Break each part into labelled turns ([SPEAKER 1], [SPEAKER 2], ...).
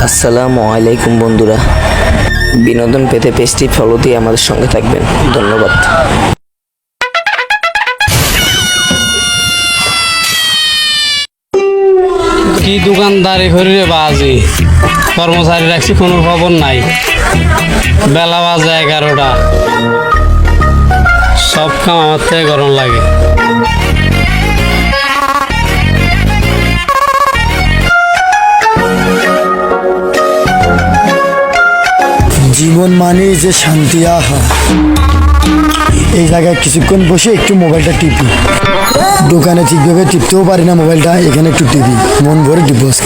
[SPEAKER 1] আসসালামু আলাইকুম বন্ধুরা, বিনোদন পেতে পেজটি ফলো দিয়ে আমাদের সঙ্গে থাকবেন। ধন্যবাদ।
[SPEAKER 2] কি দোকানদারি করি রে বাজি, কর্মচারী রাখছি কোনো খবর নাই। বেলা বাজে 11টা, সব কাম আমার থেকে গরম লাগে।
[SPEAKER 3] জীবন মানে যে শান্তি, আহা। এই জায়গায় কিছুক্ষণ বসে একটু মোবাইলটা টিপি। দোকানে ঠিকভাবে টিপতেও পারি না মোবাইলটা, এখানে একটু টিপি, মন ভরে টিপবো আজকে।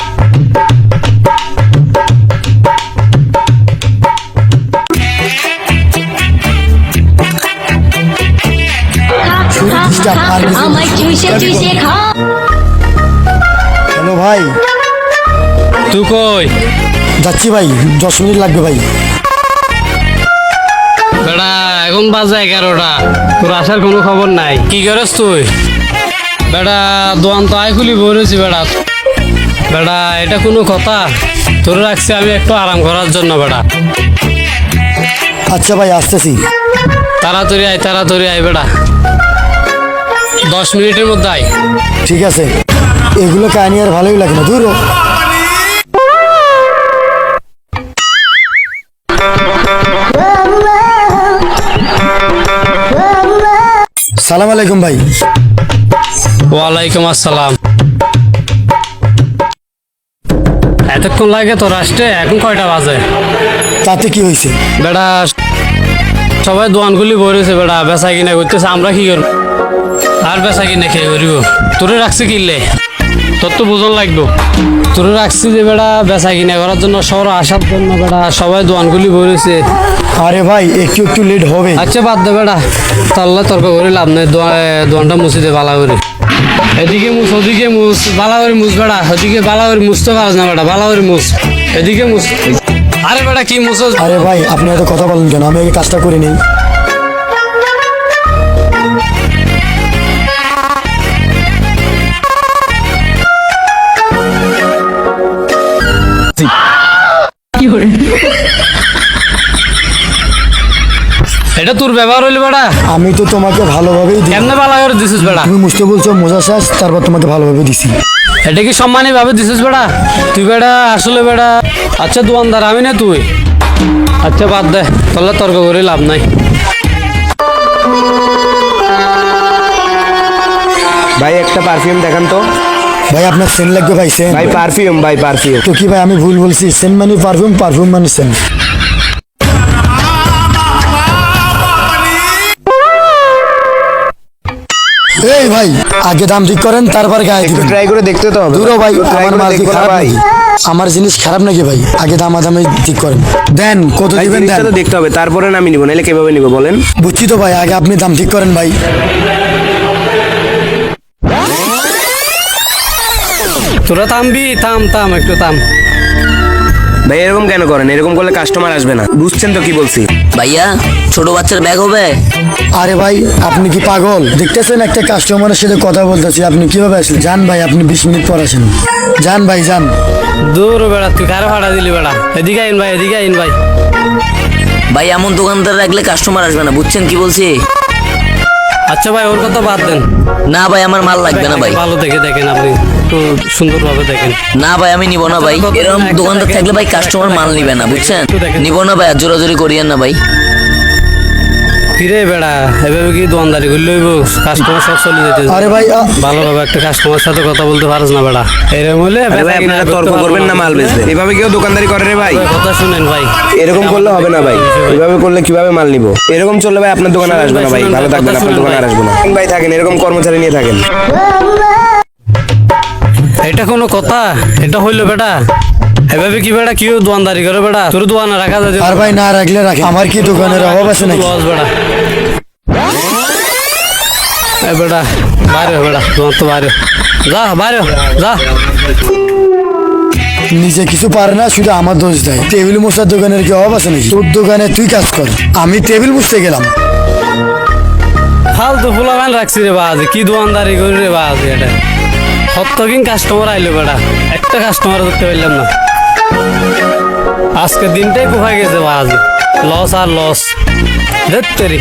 [SPEAKER 3] হ্যালো ভাই,
[SPEAKER 2] তুই কই
[SPEAKER 3] যাচ্ছি ভাই, 10 মিনিট লাগবে ভাই।
[SPEAKER 2] বেড়া? এখন বাজে 11টা, তোর আসার কোনো খবর নাই। কি করিস তুই? বেড়া দোকান তো আয় খুলি বলেছি। বেড়া বেড়া এটা কোনো কথা? তোর রাখছি আমি একটু আরাম করার জন্য। বেড়া
[SPEAKER 3] আচ্ছা ভাই, আসতেছি।
[SPEAKER 2] তাড়াতাড়ি আয় বেড়া, 10 মিনিটের মধ্যে আয়।
[SPEAKER 3] ঠিক আছে, এগুলো কাহিনী আর ভালোই লাগে না, দূর হ। সালাম আলাইকুম ভাই।
[SPEAKER 2] ওয়ালাইকুম আসসালাম। এতক্ষণ লাগে তোর আসতে? এখন কয়টা বাজে?
[SPEAKER 3] তাতে কি হয়েছে?
[SPEAKER 2] বেড়া সবাই দোকানগুলি বলেছে, বেড়া বেচা কিনা করতেছে, আমরা কি করব? আর বেচা কিনা খেয়ে করিব? তোরে রাখছি কিনলে তোর তো বুঝন লাগবো। তোরে রাখছি যে বেড়া বেচা কিনা করার জন্য, শহর আসার জন্য। বেড়া সবাই দোকানগুলি বলেছে।
[SPEAKER 3] আরে ভাই, একটু একটু লেট হবে।
[SPEAKER 2] আচ্ছা বাদ দে বেড়া, তাহলে তর্ক করে লাভ নেই। দোকানটা মুছি দে বালা করে। এদিকে মুছ, ওদিকে মুছ, বালা করে মুছ। বেড়া ওদিকে বালা করে মুছতে পারছ না। বেড়া বালা করে মুছ, এদিকে মুছ। আরে বেড়া কি মুছ?
[SPEAKER 3] আরে ভাই, আপনি এত কথা বলেন কেন? আমি আগে কাজটা করে নেই।
[SPEAKER 2] এটা তোর ব্যবহার হইলো বেড়া?
[SPEAKER 3] আমি তো তোমাকে ভালোভাবেই দিই।
[SPEAKER 2] কেমনে বালা করে দিছিস বেড়া?
[SPEAKER 3] তুমি মুছতে বলছো, মোজা শেষ, তারপর তোমাকে ভালোভাবে দিছি।
[SPEAKER 2] এটা কি সম্মানী ভাবে দিছিস বেড়া? তুই বেড়া আসলে বেড়া, আচ্ছা দোকানদার আমি না তুই। আচ্ছা বাদ দে, তাহলে তর্ক করে লাভ নাই।
[SPEAKER 4] ভাই একটা পারফিউম দেখান তো।
[SPEAKER 3] ভাই আপনার সেন্ট লাগবে ভাই, সেন্ট।
[SPEAKER 4] ভাই পারফিউম, ভাই পারফিউম।
[SPEAKER 3] তো কি ভাই, আমি ভুল বলছি? সেন্ট মানে পারফিউম, পারফিউম মানে সেন্ট। এই ভাই, আগে দাম ঠিক করেন, তারপর গায়ে দিবেন।
[SPEAKER 4] ট্রাই করে দেখতে তো হবে।
[SPEAKER 3] দূর হ ভাই,
[SPEAKER 4] Try
[SPEAKER 3] আমার
[SPEAKER 4] করে
[SPEAKER 3] মাল কি
[SPEAKER 4] দেখবো না
[SPEAKER 3] খারাপ
[SPEAKER 4] ভাই।
[SPEAKER 3] নাকি? আমার জিনিস খারাপ নাকি ভাই? আগে দামাদামি ঠিক করেন, দেন কত
[SPEAKER 4] ভাই
[SPEAKER 3] দিবেন
[SPEAKER 4] জিনিসটা
[SPEAKER 3] দেন।
[SPEAKER 4] তো দেখতে হবে, তারপরে আমি নিব, নাহলে কিভাবে নিব বলেন?
[SPEAKER 3] বুঝছি তো ভাই, আগে আপনি দাম ঠিক করেন ভাই।
[SPEAKER 2] তোরা থামবি? থাম একটু থাম।
[SPEAKER 4] ভাই এরকম কেন করেন? এরকম করলে কাস্টমার আসবে না, বুঝছেন তো কি বলছি?
[SPEAKER 1] ভাইয়া, ছোট বাচ্চার ব্যাগ হবে?
[SPEAKER 3] আরে ভাই, আপনি কি পাগল? দেখতেছেন একটা কাস্টমারের সাথে কথা বলতেছি, আপনি কিভাবে আসলেন? যান ভাই, আপনি 20 মিনিট পর আসেন। যান ভাই, যান।
[SPEAKER 2] দূর বেড়া, তুই কারে ভাড়া দিলি বেড়া? এদিকে আইন ভাই, এদিকে আইন ভাই।
[SPEAKER 1] ভাই এমন দোকানদার রাখলে কাস্টমার আসবে না, বুঝছেন কি বলছি?
[SPEAKER 2] আচ্ছা ভাই ওর কথা বাদ দেন।
[SPEAKER 1] না ভাই, আমার মাল লাগবে না ভাই।
[SPEAKER 2] ভালো দেখে দেখেন, আপনি একটু সুন্দরভাবে দেখেন।
[SPEAKER 1] না ভাই, আমি নিব না ভাই। এরকম দোকানদার থাকলে ভাই কাস্টমার মাল নিবে না, বুঝছেন? নিব না ভাই, আর জোরাজোরি করিয়েন না ভাই।
[SPEAKER 2] ফিরে বেড়া, এভাবে কি দোকানদারি করলে হইব? কাস্টমার সব চলে যেতে।
[SPEAKER 3] আরে ভাই,
[SPEAKER 2] ভালোভাবে একটা কাস্টমার সাথে কথা বলতে পারিস না বেড়া? এরকম হলে
[SPEAKER 4] আরে ভাই আপনারা তর্ক করবেন না, মাল বেচবেন। এভাবে কেউ দোকানদারি করে রে ভাই?
[SPEAKER 2] কথা শুনেন ভাই,
[SPEAKER 4] এরকম করলে হবে না ভাই, এভাবে করলে কিভাবে মাল নিব? এরকম চললে ভাই আপনার দোকানে আর আসবে না ভাই। ভালো থাকবেন, আপনার দোকানে আর আসবে না ভাই। থাকেন এরকম কর্মচারী নিয়ে থাকেন।
[SPEAKER 2] এটা কোনো কথা? এটা হইলো বেটা? এভাবে কি বেটা কেউ দোকানদারি করে বেটা? তোর দোকানে রাখা যায়?
[SPEAKER 3] আর ভাই না রাখলে রাখে, আমার কি দোকানের অভাব আছে নাকি?
[SPEAKER 2] লস বেটা। এ বেটা বাইরে বেটা, দোকান তো বাইরে যা, বাইরে যা।
[SPEAKER 3] নিজে কিছু পারে না, শুধু আমার দোষ দেয়। টেবিল মোছার দোকানের কি অভাব আছে নাকি? তোর দোকানে তুই কাজ কর, আমি টেবিল মুছতে গেলাম।
[SPEAKER 2] ফালতু ফুলা ম্যান রাখছি রে বাজে, কি দোকানদারি করি রে বাজে? এটা কত কিন কাস্টমার আইলো বেটা, একটা কাস্টমার ধরতে পারলাম না। আজকে দিনটাই কোথায় গেছে আজ লস আর লস ধরতেরি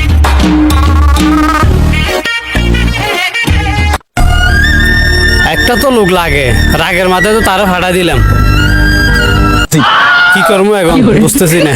[SPEAKER 2] একটা তো লোক লাগে রাগের মাথায় তো তারা ফাটা দিলাম কি করবো এখন বুঝতেছি না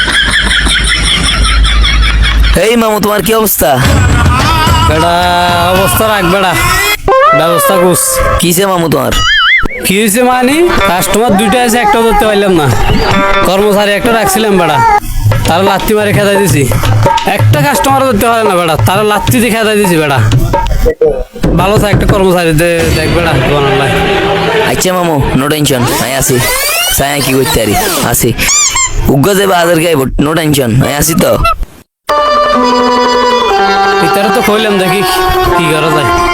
[SPEAKER 1] এই মামু তোমার কি অবস্থা?
[SPEAKER 2] বেটা অবস্থা রাখ বেটা ব্যবস্থা করছ
[SPEAKER 1] কিসে মামু তোমার?
[SPEAKER 2] কি হয়েছে মানে কাস্টমার দুইটা আছে একটা ধরতে পারলাম না কর্মচারী একটা রাখছিলাম বেটা তারা লাত্তি মারে খেদাই দিছি একটা কাস্টমার ধরতে পারে না বেটা তারা লাত্তি দিয়ে খেদাই দিছি বেটা ভালো থাক একটা কর্মচারী দেখ বেটা দোকান লাই
[SPEAKER 1] আচ্ছা মামু নো টেনশন আমি আসি সায়া কি করতে পারি আসি উগ্র যাবে আদার গাইব নো টেনশন আমি আসি তো
[SPEAKER 2] ভিতরে তো কইলাম দেখি কি করা যায়